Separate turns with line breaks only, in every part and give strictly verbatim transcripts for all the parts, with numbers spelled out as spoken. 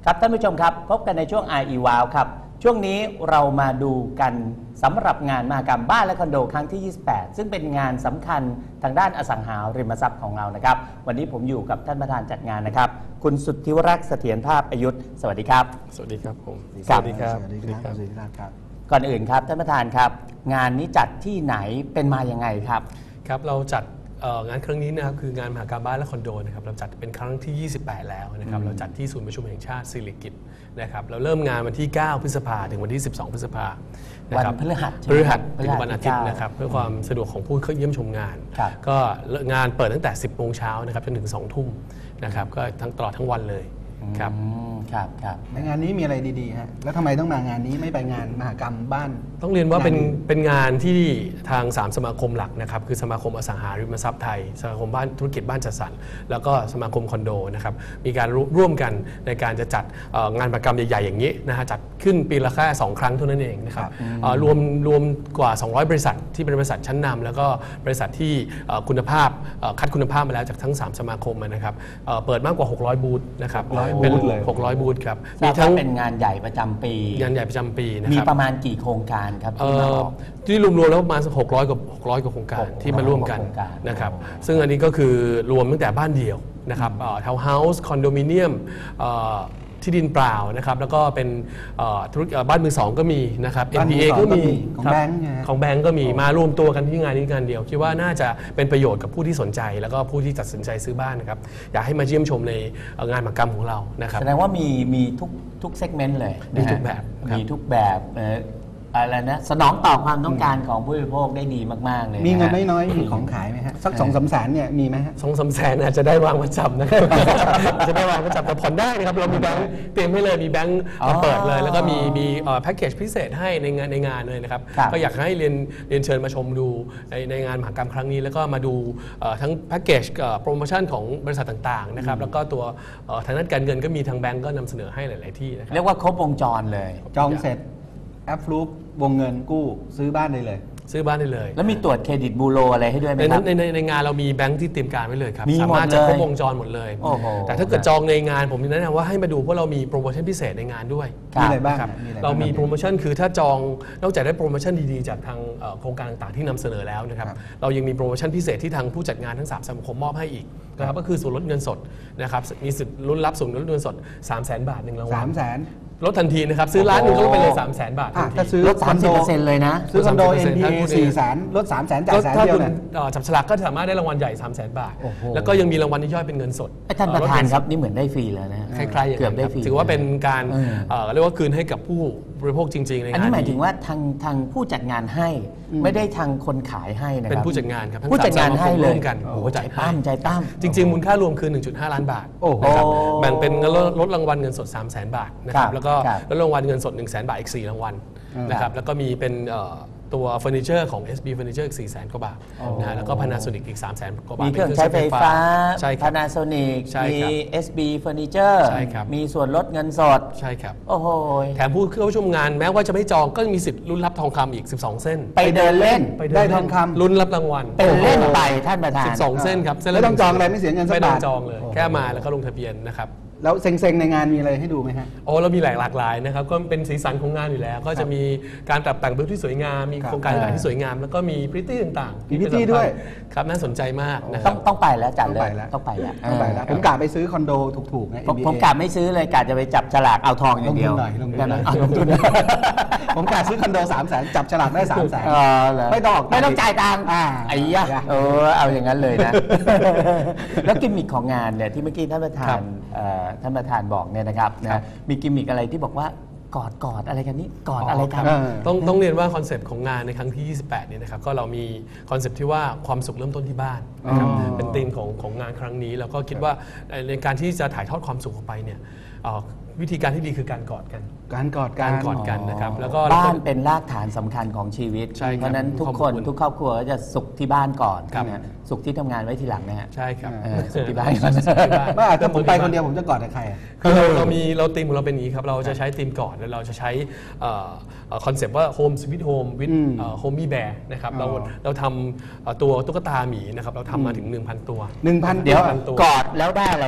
ครับท่านผู้ชมครับพบกันในช่วง อาร์ อี วาว ครับช่วงนี้เรามาดูกันสำหรับงานมหกรรมบ้านและคอนโดครั้งที่ ยี่สิบแปด ซึ่งเป็นงานสำคัญทางด้านอสังหาริมทรัพย์ของเรานะครับวันนี้ผมอยู่กับท่านประธานจัดงานนะครับคุณสุทธิวรักษ์เสถียรภาพอายุธสวัสดีครับ
สวัสดีครับผม
สวั
สดีครับสวัสดีครับสวัสดีครับ
ก่อนอื่นครับท่านประธานครับงานนี้จัดที่ไหนเป็นมาอย่างไงครับ
ครับเราจัดงานครั้งนี้นะครับคืองานมหกรรมบ้านและคอนโดนะครับเราจัดเป็นครั้งที่ยี่สิบแปดแล้วนะครับเราจัดที่ศูนย์ประชุมแห่งชาติสิริกิติ์นะครับเราเริ่มงานวันที่เก้าพฤษภาถึงวันที่สิบสองพฤษภา
วันพฤหัส
พฤหัสถึงวันอาทิตย์นะครับเพื่อความสะดวกของผู้เข้าเยี่ยมชมงานก็งานเปิดตั้งแต่สิบโมงเช้านะครับจนถึงสองทุ่มนะครับก็ทั้งตลอดทั้งวันเลยครับ
ครับครับ
ในงานนี้มีอะไรดีๆฮะแล้วทำไมต้องมางานนี้ไม่ไปงานมหกรรมบ้าน
ต้องเรียนว่าเป็นเป็นงานที่ทางสามสมาคมหลักนะครับคือสมาคมอสังหาริมทรัพย์ไทยสมาคมบ้านธุรกิจบ้านจัดสรรแล้วก็สมาคมคอนโดนะครับมีการร่วมกันในการจะจัดงานมหกรรมใหญ่ๆอย่างนี้นะฮะจัดขึ้นปีละแค่สองครั้งเท่านั้นเองนะครับรวมรวมกว่าสองร้อยบริษัทที่เป็นบริษัทชั้นนำแล้วก็บริษัทที่คุณภาพคัดคุณภาพมาแล้วจากทั้งสามสมาคมนะครับเปิดมากกว่าหกร้อยบูธนะครับเป็นหกร้อยบูธครับ
มีทั้งเป็นงานใหญ่ประจำปี
งานใหญ่ประจำปีนะครับ
มีประมาณกี่โครงการครับที่มาออก
ที่รวมๆแล้วประมาณหกร้อยกว่าหกร้อยกว่าโครงการที่มาร่วมกันนะครับซึ่งอันนี้ก็คือรวมตั้งแต่บ้านเดี่ยวนะครับทาวน์เฮาส์คอนโดมิเนียมที่ดินเปล่านะครับแล้วก็เป็นธุรกิจบ้านมือสองก็มีนะครับ เอ็น พี เอ ก็มี
ของแบงก์
ของแบงก์ก็มีมารวมตัวกันที่งานนี้งานเดียวคิดว่าน่าจะเป็นประโยชน์กับผู้ที่สนใจแล้วก็ผู้ที่ตัดสินใจซื้อบ้านนะครับอยากให้มาเยี่ยมชมในงานมหกรรมของเรานะครับ
แสดงว่ามีมีทุกทุกเซกเมนต์เลย
มีทุกแบบ
มีทุกแบบอะไรนะสนองต่อความต้องการของผู้บริโภคได้ดีมากๆเลย
มีเงินน้อยๆมีของขายไหมฮะสักสองสามแสนเนี่ยมีไหมฮะ
สองสามแสนอาจจะได้วางประจำนะครับจะได้วางประจำแต่ผ่อนได้นะครับเรามีแบงค์เตรียมให้เลยมีแบงค์มาเปิดเลยแล้วก็มีมีแพ็กเกจพิเศษให้ในงานในงานเลยนะครับก็อยากให้เรียนเรียนเชิญมาชมดูในในงานมหกรรมครั้งนี้แล้วก็มาดูทั้งแพ็กเกจโปรโมชั่นของบริษัทต่างๆนะครับแล้วก็ตัวทางด้านการเงินก็มีทางแบงค์ก็นำเสนอให้หลายๆที่นะครับ
เรียกว่าครบวงจรเลย
จองเสร็จแอปฟลูปวงเงินกู้ซื้อบ้านได้เลย
ซื้อบ้านได้เลย
แล้วมีตรวจเครดิตบูโรอะไรให้ด้วยไหมครับ
ในในในงานเรามีแบงค์ที่เตรียมการไว้เลยครับสามารถจะครบวงจรหมดเลยแต่ถ้าเกิดจองในงานผมแนะนำว่าให้มาดูเพราะเรามีโปรโมชั่นพิเศษในงานด้วย
มีอะไรบ้าง
เรามีโปรโมชั่นคือถ้าจองนอกจากได้โปรโมชั่นดีๆจากทางโครงการต่างๆที่นำเสนอแล้วนะครับเรายังมีโปรโมชั่นพิเศษที่ทางผู้จัดงานทั้งสามสมาคมมอบให้อีกนะครับก็คือส่วนลดเงินสดนะครับมีสิทธิ์ลุ้นรับส่วนลดเงินสด สามแสน บาทหนึ่งรางวัล
สามแสน
ลดทันทีนะครับซื้อร้านหนึ่งก็ลดไปเลย สามแสน บาททันที
ลด สามสิบเปอร์เซ็นต์ เลยนะ
ซื้อคอนโด เอ็น พี เอ สี่แสนลดสามแสนจ่ายแสนเดียวเนี่ย
จับฉลากก็สามารถได้รางวัลใหญ่ สามแสน บาทแล้วก็ยังมีรางวัลที่ย่อยเป็นเงินสด
ท่านประธานครับนี่เหมือนได้ฟรีแล้วนะ
คล้ายๆอย่างนั้นถือว่าเป็นการเรียกว่าคืนให้กับผู้บริโภคจริงๆในงานนี้
อันนี้หมายถึงว่าทางทางผู้จัดงานให้ไม่ได้ทางคนขายให้นะครับ
เป็นผู้จัดงานครับ
ผู้จัดงานให้เลย
กัน
โอ้ใจปั้มใจปั้ม
จริงๆมูลค่ารวมคือ หนึ่งจุดห้า ล้านบาทนะครับแบ่งเป็นลดรางวัลเงินสด สามแสน บาทนะครับแล้วก็ลดรางวัลเงินสด หนึ่งแสน บาทอีกสี่รางวัลนะครับแล้วก็มีเป็นตัวเฟอร์นิเจอร์ของ เอส บี Furniture อีก สี่แสน กว่าบาทนะฮะแล้วก็ Panasonic อีก สามแสน กว่าบาท
มีเครื่องใช้ไฟฟ้า Panasonic มี เอส บี Furniture มีส่วนลดเงินสด
ใช่ครับ
โอ้โห
แถมผู้เข้าชมงานแม้ว่าจะไม่จองก็มีสิทธิ์ลุ้นรับทองคำอีกสิบสองเส้น
ไปเดินเล่น
ได้ทองคำ
ลุ้นรับรางวัล
เป็นเล่นไปท่านประธาน
สิบสองเส้นครับ
ไม่ต้องจองอะไรไม่เสียเงินสักบาท
ไม่ต้องจองเลยแค่มาแล้วก็ลงทะเบียนนะครับ
แล้วเซ็งๆในงานมีอะไรให้ดูไหมฮะ
โอ้เรามีหลายหลากหลายนะครับก็เป็นสีสันของงานอยู่แล้วก็จะมีการปรับแต่งบูธที่สวยงามมีโครงการต่างๆที่สวยงามแล้วก็มีพริตตี้ต่าง
ๆมีพริตตี้ด้วย
ครับน่าสนใจมากนะค
รั
บ
ต้องไปแล้วจัดเลยต้องไปแล้ว
ต้องไปแล้วผมกะไปซื้อคอนโดถูกๆไง
ผมกะไม่ซื้อเลยกะจะไปจับฉลากเอาทองอย่างเดียว
ลงทุนหน่อยลงทุนผมกะซื้อคอนโดสามแสนจับฉลากได้สามแสนไม่ต้อง
ไม่ต้องจ่ายตังค์ไอ้ยะเออเอาอย่างนั้นเลยนะแล้วกิมมิคของงานเนี่ยที่เมื่อกี้ท่านประธานท่านประธานบอกเนี่ยนะครับนะมีกิมมิคอะไรที่บอกว่ากอดกอดอะไรกันนี่กอดอะไรกัน
ต้องต้องเรียนว่าคอนเซปต์ของงานในครั้งที่ยี่สิบแปดเนี่ยนะครับก็เรามีคอนเซปต์ที่ว่าความสุขเริ่มต้นที่บ้านนะครับเป็นธีมของของงานครั้งนี้แล้วก็คิดว่าในการที่จะถ่ายทอดความสุขออกไปเนี่ยวิธีการที่ดีคือการกอดกัน
การกอด
การกอดกันนะครับแล้วก็
บ้านเป็นรากฐานสำคัญของชีวิตเพราะนั้นทุกคนทุกครอบครัวจะสุขที่บ้านก่อนนะสุขที่ทำงานไว้ทีหลังนะฮะ
ใช่ครับ
สุขที่บ้าน
ไม่อาจจะผมไปคนเดียวผมจะกอดกับใคร
คือเราเรามีเราธีมของเราเป็นอย่างนี้ครับเราจะใช้ธีมกอดแล้วเราจะใช้คอนเซปต์ว่า Home Sweet Home with Homey Bear นะครับเราเราทำตัวตุ๊กตาหมีนะครับเราทำมาถึง หนึ่งพัน ตัว
หนึ่งพัน
เดี๋ยวกอดแล้วได้อะไรนะ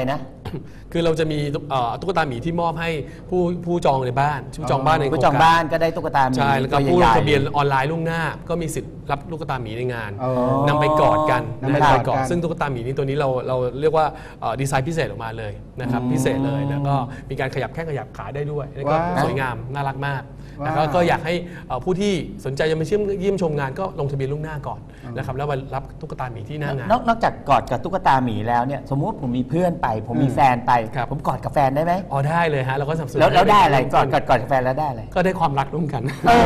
คือเราจะมีเอ่อตุ๊กตาหมีที่มอบให้ผู้ผู้จองในบ้านผู้จองบ้านในโครง
ผู้
การ
จองบ้านก็ได้ตุ๊กตาหมี
ใช่แล้วก็
ตัว
ผู้ล
ให
ง
ญ่ๆ
ทะเบียนออนไลน์ล่วงหน้า ก็มีสิทธิ์รับตุ๊กตาหมีในงาน
อ๋อ
นำไปกอดกัน
นำไป
นำไปก
ก
อ
อ
ด
ดกัน
ซึ่งตุ๊กตาหมีนี้ตัวนี้เราเราเรียกว่าเอ่อดีไซน์พิเศษออกมาเลยนะครับพิเศษเลยแล้วก็มีการขยับแข้งขยับขาได้ด้วยแล้วก็
ว้าว
สวยงามน่ารักมาก
ว้าว
แล้วก็ก็อยากให้เอ่อผู้ที่สนใจจะมาเยี่ยมเยี่ยมชมงานก็ลงทะเบียนล่วงหน้าก่อนนะครับแล้วมารับตุ๊กตาหมีที่หน้างาน
นอกนอกจากกอดกับตุ๊กตาหมีแล้วเนี่ยสมมุติผมมีเพื่อนไป ผมมีแฟนไป
ครับ
ผมกอดกับแฟนได้ไหม
อ๋อได้เลยฮะเราก็สนับสนุน
แล้วแล้วได้อะไร
ให้
กอดกอดกอดกับแฟนแล้วได้อะไร
ก็ได้ความรักร่วมกัน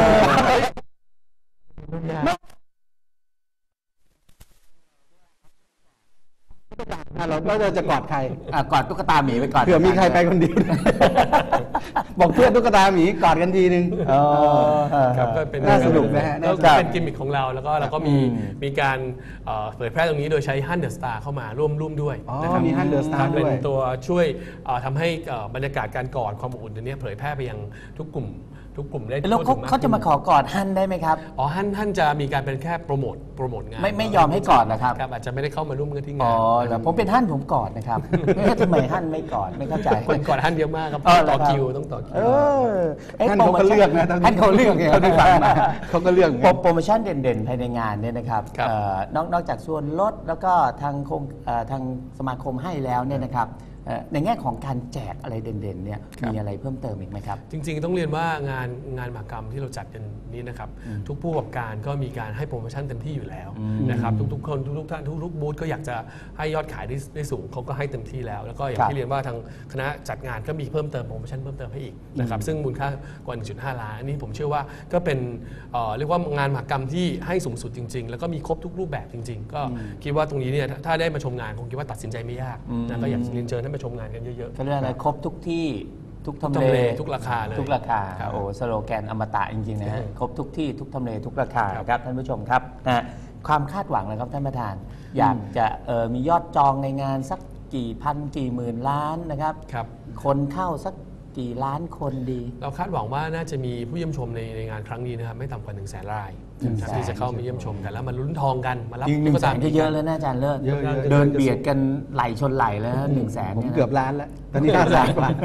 เราก็จะกอดใคร
อ่ะกอดตุ๊กตาหมีไปก่อน
เผื่อมีใครไปคนเดียว บอกเพื่อนตุ๊กตาหมีกอดกันทีนึง
อ๋อ
ครับก็เป็น
น่าสนุกนะฮะ
ก็
น่าสนุก
เป็นกิมมิคของเราแล้วก็เราก็มี
อืม
มีการเอ่อเผยแพร่ตรงนี้โดยใช้ฮันเดอร์สตาร์เข้ามาร่วมร่วมด้วย
อ๋อ
นะครับ
มี Hunt the Star
ครับเป็น
ด้วย
ตัวช่วยเอ่อทำให้เอ่อบรรยากาศการกอดความอบอุ่นตัวเนี้ยเผยแพร่ไปยังทุกกลุ่มทุกกลุ่มได้
แล้วเขา
ทั่วถึงก
เขาจะมาข
ขึ้น
อกอดฮั่นได้ไหมครับ
อ๋อฮันฮันจะมีการเป็นแค่โปรโมทโปรโมทงาน
ไม่ไม่ยอมให้กอดนะครับ
ครับอาจจะไม่ได้เข้ามาร่วมกันที่งา
อ๋
น
อแล้วผมเป็นฮั่นผมกอดนะครับ ไม่เข้าทำไมฮั่นไม่กอดไม่เข้าใจ
คนกอดฮันเยอะมากครับ
อ๋อ
ต้อง
เหรอครับ
ต่อคิวต้องต่อคิ
เอ
ว
ออ๊ะ
ท่านเขาก็เลือกนะ
ท่านเขาเลือกไง
เขาได้ฟังมาเขาก็เลือกไง
โปรโปรโมชั่นเด่นๆภายในงานเนี่ยนะครับ
ครับ
เอ่อนอกนอกจากส่วนลดแล้วก็ทางโครงเอ่อทางสมาคมให้แล้วเนี่ยนะครับเอ่อในแง่ของการแจกอะไรเด่นๆเนี่ยมีอะไรเพิ่มเติมอีกไหมครับ
จริงๆ ต้องเรียนว่างานงานมหกรรมที่เราจัดกันนี้นะครับทุกผู้ประกอบการก็มีการให้โปรโมชั่นเต็มที่อยู่แล้วนะครับทุกๆคนทุกๆท่านทุกๆบูธก็อยากจะให้ยอดขายได้ได้สูงเขาก็ให้เต็มที่แล้ว แล้วก็อย่าง
ครับ
ที่เรียนว่าทางคณะจัดงานก็มีเพิ่มเติมโปรโมชั่นเพิ่มเติมให้อีกนะครับซึ่งมูลค่ากว่า หนึ่งจุดห้า ล้านอันนี้ผมเชื่อว่าก็เป็นเอ่อเรียกว่างานมหกรรมที่ให้สูงสุดจริง ๆ แล้วก็มีครบทุกรูปแบบจริง ๆ ก็คิดว่าตรงนี้เนี่ยถ้าได้มาชมงานคงคิดว่าตัดสินใจไม่ยากนะก็อยากเรียนเชิญให้มาชมงานกันเยอะๆ
ก็เรียกอะไรครบทุกที่ทุกทำ
ทุกทำ
เล
เลทุกราคาเลย
ทุกราคา
ครับ
โอ้สโลแกนอมตะจริงๆนะฮะครบทุกที่ทุกทำเลทุกราคา
ครับ
ครับท่านผู้ชมครับนะความคาดหวังเลยครับท่านประธาน อยากจะเอ่อมียอดจองในงานสักกี่พันกี่หมื่นล้านนะครับ
ครับ
คนเข้าสักกี่ล้านคนดี
เราคาดหวังว่าน่าจะมีผู้เยี่ยมชมในในงานครั้งนี้นะครับไม่ต่ำกว่า1นึ่งแสนราย
หนึ่ง
นะครับ
แสน
ที่จะเข้ามาเยี่ยมชมกันแล้วมาลุ้นทองกันมารับ
ยิงหนึ่ง
ตุ๊ก
แส
ตาน
ก็เยอะแล้วนะอาจารย์เลิศ
เยอะๆ
เดินเบียดกันไหลชนไหลแล้วหนึ่งแสน
ผม
นี่ยนะ
เกือบล้านแล้ว ตอนนี้ห้าแสนกว่า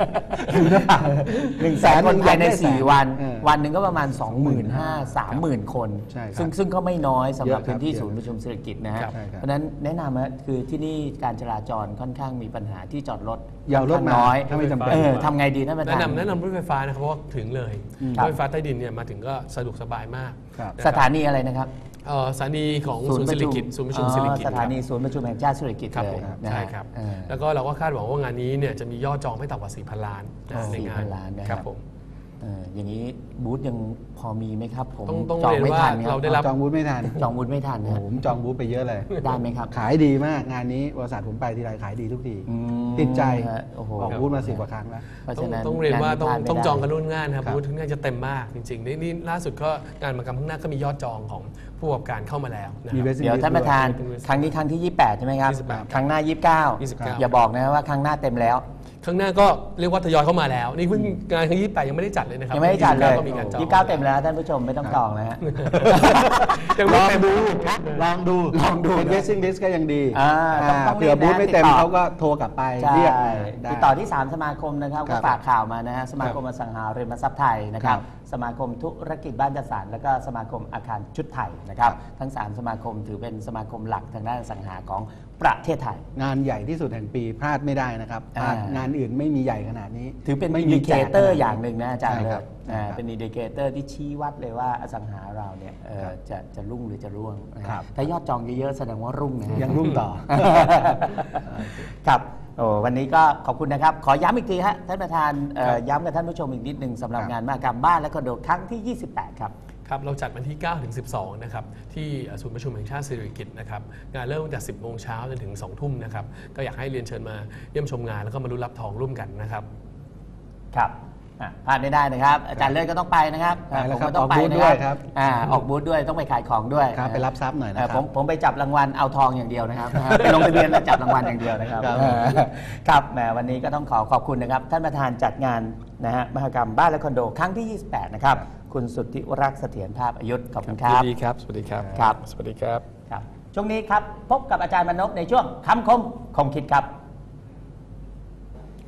หนึ่งแสนคนภายในสี่วัน
เออ
วันหนึ่งก็ประมาณ สองหมื่นห้าพัน สามหมื่น คน
ใช่ครับ
ซึ่งซึ่งก็ไม่น้อยสำหรับ
เยอะครับ
พื้นที่
เยอะ
ศูนย์ประชุมเศรษฐกิจนะฮะ
ครับ
ใช่ครับ
เพราะฉะนั้นแนะนำนะคือที่นี่การจราจรค่อนข้างมีปัญหาที่จอดรถ
อย่าเอารถมา
น้อย
ถ้าไม่จำเป็น
เออทำไงดีท่านประธา
แนะ
น
นำแนะนำรถไฟฟ้านะครับเพราะว่าถึงเลย
ครั
ร
บ
ถไฟฟ้าใต้ดินเนี่ยมาถึงก็สะดวกสบายมาก
ครับ
นะครับ
สถานีอะไรนะครับ
เอ่อสถานีของศูนย์สิริกิติ์ศูนย์ประชุมสิริกิติ์
อ๋อสถานีศูนย์ประชุมแห่งชาติสิริกิติ์
ครับ
เล
ผ
ย
ม
นะฮะ
ใช่ครับ
เออ
แล้วก็เราก็คาดหวังว่างานนี้เนี่ยจะมียอดจองไม่ต่ำกว่า สี่พัน ล้านนะ
อ๋อ
ในงาน
สี่พันล้านนะครับ
ผม
เอออย่างนี้บูธยังพอมีไหมครับผม
ต้องต้อง
จอง
เรียน
ไม่
ว่า
ทันค
เรา
รับ
ได้รับ
จองบูธไม่ทัน
จองบูธไม่ทัน
โอ้
นะ
โหผมจองบูธไปเยอะเลย
ได้ไหมครับ
ขายดีมากงานนี้บริษัทผมไปทีไรขายดีทุกที
อืม
ติดใจ
ฮะโอ้โห
ออกบูธมาสิบกว่าครั้งแล้ว
เพราะ
ต้อง
ฉะนั้น
ต้องเรียนว่าต้อง
พลดไม่
ต้อง
ได้
จองกันล่วงหน้านะครับ
ครับ
บูธที่น่าจะเต็มมากจริงๆนี่นี่ล่าสุดก็งานมหกรรมข้างหน้าก็มียอดจองของผู้ประกอบการเข้ามาแล้วนะค
มี
รับ
waiting
เดี๋ยว
list
ท่านประธาน
ด้วย
ครั้งนี้ครั้งที่ยี่สิบแปดใช่ไหมครับ
ยี่สิบแปด
ครั้งหน้ายี่สิบเก้า
ยี่สิบเก้า
อย่าบอกนะว่าครั้งหน้าเต็มแล้ว
ข้างหน้าก็เรียกว่าทยอยเข้ามาแล้ว นี่เพิ่งงานครั้งยี่สิบแปดยังไม่ได้จัดเลยนะครับ
ยังไม่ได้จัดเลย
ก็มีการจอง
ยี่สิบเก้าเต็มแล้วท่านผู้ชมไม่ต้องจองนะฮะ
ยัง
ล
ไม่
อง
เต็ม
ดูลองดู
ลองดู
เป็น waiting list ก็ยังดี
อ่าต้องต้อง
เผื่อ
รีบนะ
บูธไม่เต็ม
ติดต่อ
เขาก็โทรกลับไป
ใช่
เรียกได้
ติดต่อที่สามสมาคมนะครับ
ครั
ก็
บ
ฝากข่าวมานะฮะสมาคมอสังหาริมทรัพย์ไทยนะครับ
ครับ
สมาคมธุรกิจบ้านจัดสรรแล้วก็สมาคมอาคารชุดไทยนะครับ
ครับ
ทั้งสามสมาคมถือเป็นสมาคมหลักทางด้านอสังหาของประเทศไทย
งานใหญ่ที่สุดแห่งปีพลาดไม่ได้นะครับพลาด
อ่าง
งานอื่นไม่มีใหญ่ขนาดนี้
ถือเป็น
ไม่
อิน
มี
ดิเคเตอร์อย่างหนึ่งนะอาจารย์
ใช่
เล
ครั
ย
บ
อ่า
ใช่ครับ
เป็นอินดิเคเตอร์ที่ชี้วัดเลยว่าอสังหาเราเนี่ยเอ่อ
ครับ
จะจะรุ่งหรือจะร่วงนะครับ ถ้ายอดจองเยอะๆแสดงว่ารุ่งนะฮะ
ยังรุ่งต่อ
ครับโอ้วันนี้ก็ขอบคุณนะครับ ขอย้ำอีกทีฮะท่านประธานเอ่อย้ำกับท่านผู้ชมอีกนิดหนึ่งสำหรับ
ครับ
งานมหกรรมบ้านและคอนโดครั้งที่ ยี่สิบแปด ครับ
ครับเราจัดวันที่ เก้าถึงสิบสอง นะครับที่ศูนย์ประชุมแห่งชาติสิริกิติ์นะครับงานเริ่มตั้งแต่ สิบโมงเช้าจนถึง สองทุ่มนะครับก็อยากให้เรียนเชิญมาเยี่ยมชมงานแล้วก็มาลุ้นรับทองร่วมกันนะครับ
ครับอ่ะพลาดไม่ได้นะครับ อาจารย์เลิศก็ต้องไปนะครับ
ไปแล้ว
ผม
ครับ
ก็ต้องไป
ออกบูธ
นะ
ด้วย
ค
ครั
รับบ อ่าออกบูธด้วยต้องไปขายของด้วย
ครับไปรับทรัพย์หน่อยนะ
เอ่อ
ค
ผ
รั
ม
บ
ผมไปจับรางวัลเอาทองอย่างเดียวนะครับ ไปลงทะเบียนแล้วจับรางวัลอย่างเดียวนะครับ
ครับ
เออครับแหมวันนี้ก็ต้องขอขอบคุณนะครับ ท่านประธานจัดงานนะฮะมหกรรมบ้านและคอนโดครั้งที่ ยี่สิบแปด นะครับ คุณสุทธิรักษ์เสถียรภาพอายุธขอบคุณครับ
ยินดีครับ สวัสดีครับ
ครับ
สวัสดีครับ
ครับช่วงนี้ครับพบกับอาจารย์มนพในช่วงคำคมคมคิดครับ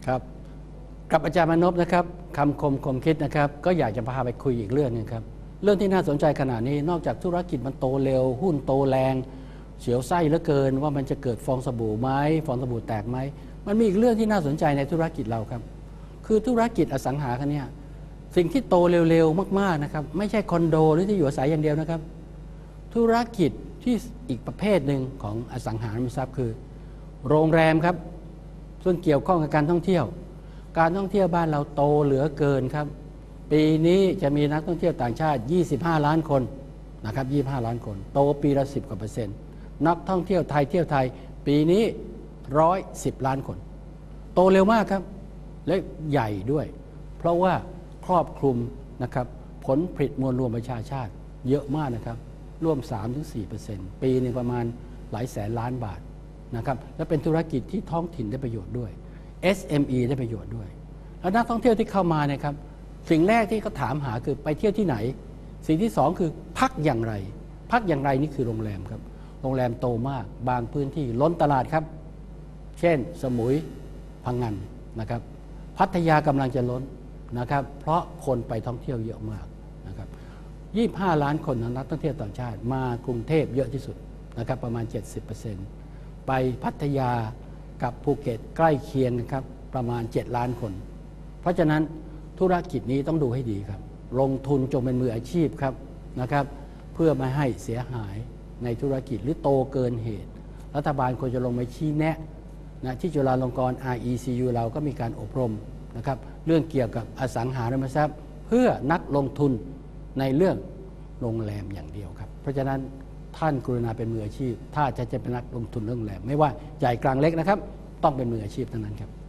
ครับกับอาจารย์มนพนะครับคำคมคมคิดนะครับก็อยากจะพาไปคุยอีกเรื่องนึงครับเรื่องที่น่าสนใจขณะนี้นอกจากธุรกิจมันโตเร็วหุ้นโตแรงเสียวไส้เหลือเกินว่ามันจะเกิดฟองสบู่ไหมฟองสบู่แตกไหมมันมีอีกเรื่องที่น่าสนใจในธุรกิจเราครับคือธุรกิจอสังหาคันนี้สิ่งที่โตเร็วๆมากๆนะครับไม่ใช่คอนโดหรือที่อยู่อาศัยอย่างเดียวนะครับธุรกิจที่อีกประเภทหนึ่งของอสังหาริมทรัพย์คือโรงแรมครับส่วนเกี่ยวข้องกับการท่องเที่ยวการท่องเที่ยวบ้านเราโตเหลือเกินครับปีนี้จะมีนักท่องเที่ยวต่างชาติยี่สิบห้าล้านคนนะครับยี่สิบห้าล้านคนโตปีละสิบกว่าเปอร์เซ็นต์นักท่องเที่ยวไทยเที่ยวไทยปีนี้หนึ่งร้อยสิบล้านคนโตเร็วมากครับและใหญ่ด้วยเพราะว่าครอบคลุมนะครับผลผลิตมวลรวมประชาชาติเยอะมากนะครับร่วม สามถึงสี่เปอร์เซ็นต์ ปีนึงประมาณหลายแสนล้านบาทนะครับและเป็นธุรกิจที่ท้องถิ่นได้ประโยชน์ด้วย เอส เอ็ม อี ได้ประโยชน์ด้วยแล้วนักท่องเที่ยวที่เข้ามาเนี่ยครับสิ่งแรกที่เขาถามหาคือไปเที่ยวที่ไหนสิ่งที่สองคือพักอย่างไรพักอย่างไรนี่คือโรงแรมครับโรงแรมโตมากบางพื้นที่ล้นตลาดครับเช่นสมุยพังงานนะครับพัทยากำลังจะล้นนะครับเพราะคนไปท่องเที่ยวเยอะมากนะครับยี่สิบห้าล้านคนนักท่องเที่ยวต่างชาติมากรุงเทพเยอะที่สุดนะครับประมาณ เจ็ดสิบเปอร์เซ็นต์ ไปพัทยากับภูเก็ตใกล้เคียงนะครับประมาณเจ็ดล้านคนเพราะฉะนั้นธุรกิจนี้ต้องดูให้ดีครับลงทุนจงเป็นมืออาชีพครับนะครับเพื่อไม่ให้เสียหายในธุรกิจหรือโตเกินเหตุรัฐบาลควรจะลงมาชี้แนะนะที่จุฬาลงกรณ์ อาร์ อี ซี ยู เราก็มีการอบรมนะครับเรื่องเกี่ยวกับอสังหาริมทรัพย์เพื่อนักลงทุนในเรื่องโรงแรมอย่างเดียวครับเพราะฉะนั้นท่านกรุณาเป็นมืออาชีพถ้าจะจะเป็นนักลงทุนเรื่องโรงแรมไม่ว่าใหญ่กลางเล็กนะครับต้องเป็นมืออาชีพเท่านั้นครับ